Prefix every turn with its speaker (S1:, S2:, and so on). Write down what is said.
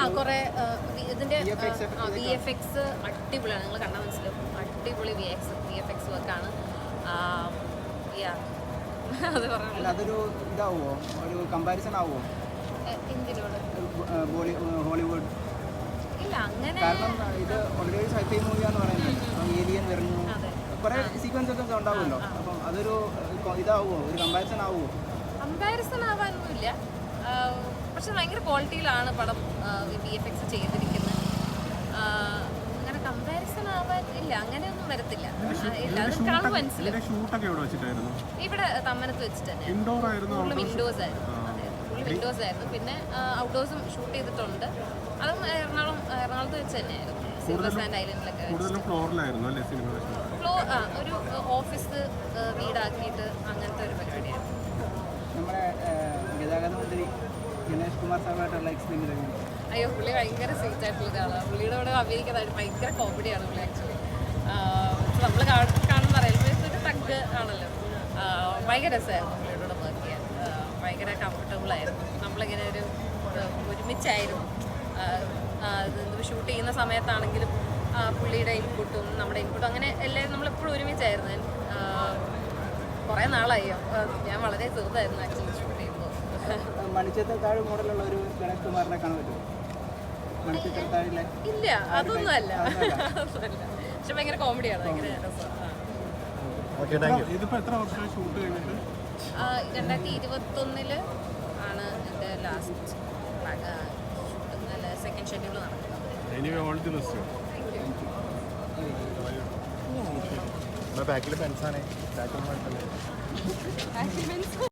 S1: കുറേ ഇതിൻ്റെ VFX അടിപൊളിയാണ്. നിങ്ങൾ കണ്ടാൽ മനസ്സിലാവും. അടിപൊളി VFX വർക്കാണ്. അത് പറഞ്ഞു.
S2: അതൊരു ഇതാവുമോ, ഒരു കമ്പാരിസൺ ആവുമോ
S1: എന്തിനോട്?
S2: ഹോളിവുഡ്?
S1: ഇല്ല, അങ്ങനെ.
S2: കാരണം ഇത് ഓൾറെഡി സൈഫൈ മൂവിയാന്ന് പറയുന്നത്. ഏലിയൻ വരുന്നു, കുറേ സീക്വൻസ് ഒക്കെ ഉണ്ടാവുമല്ലോ. അപ്പം അതൊരു ഇതാവുമോ, ഒരു കമ്പാരിസൺ ആവുമോ?
S1: കമ്പാരിസൺ ആവാനൊന്നുമില്ല. പക്ഷെ ഭയങ്കര ക്വാളിറ്റിയിലാണ് പടം VFX ചെയ്തിരിക്കുന്നത്. അങ്ങനെ കമ്പാരിസൺ ആവാൻ ഇല്ല, അങ്ങനെയൊന്നും വരത്തില്ല. ഇല്ല, അത് കാണുമ്പോൾ മനസ്സിലാവും. ഇവിടെ തമ്മനത്ത് വെച്ചിട്ട് തന്നെ വിൻഡോസ് ആയിരുന്നു. പിന്നെ ഔട്ട്ഡോഴ്സും ഷൂട്ട് ചെയ്തിട്ടുണ്ട്. അതും എറണാകുളത്ത് വെച്ച് തന്നെയായിരുന്നു. സിൽവർ സാൻഡ് ഐലൻഡിലൊക്കെ ഒരു ഓഫീസ് വീടാക്കിയിട്ട് അങ്ങനത്തെ ഒരു പരിപാടിയായിരുന്നു.
S2: നമ്മുടെ ഗതാഗത മന്ത്രി ഗണേഷ് കുമാർ സാറുമായിട്ടുള്ള എക്സ്പീരിയൻസ്?
S1: അയ്യോ, പുള്ളി ഭയങ്കര സ്വീറ്റ് ആയിട്ടുള്ള ഒരാളാണ്. പുള്ളിയുടെ കൂടെ അഭിനയിക്കുന്നതായിട്ട് ഭയങ്കര കോമഡിയാണ് പുള്ളി. ആക്ച്വലി നമ്മൾ കാണുന്ന റെയിൽവേ ഒരു ടഗ് ആണല്ലോ. ഭയങ്കര രസമായിരുന്നു പുള്ളിയുടെ കൂടെ വർക്ക് ചെയ്യാൻ. ഭയങ്കര കംഫർട്ടബിളായിരുന്നു. നമ്മളിങ്ങനെ ഒരുമിച്ചായിരുന്നു. ഷൂട്ട് ചെയ്യുന്ന സമയത്താണെങ്കിലും പുള്ളിയുടെ ഇൻപുട്ടും നമ്മുടെ ഇൻപുട്ടും അങ്ങനെ എല്ലാവരും നമ്മളെപ്പോഴും ഒരുമിച്ചായിരുന്നു. കുറേ നാളായി. ഞാൻ വളരെ ചെറുതായിരുന്നു ആക്ച്വലി ഷൂട്ട് ചെയ്യുമ്പോൾ.
S2: മണിച്ചിത്രത്താഴ് മോഡലുള്ള ഒരു ഗണേഷ് കുമാറിനെ കാണാൻ പറ്റുമോ? മണിച്ചിത്രത്താഴിലെ?
S1: ഇല്ല, അതൊന്നും അല്ല. പക്ഷെ ഭയങ്കര കോമഡിയാണ്, ഭയങ്കര രസമാണ്. 2021 ആണ് എൻ്റെ ലാസ്റ്റ് സെക്കൻഡ് ഷെഡ്യൂൾ നടക്കുന്നത്.
S3: ബാക്കിൽ പെൻസാണ്.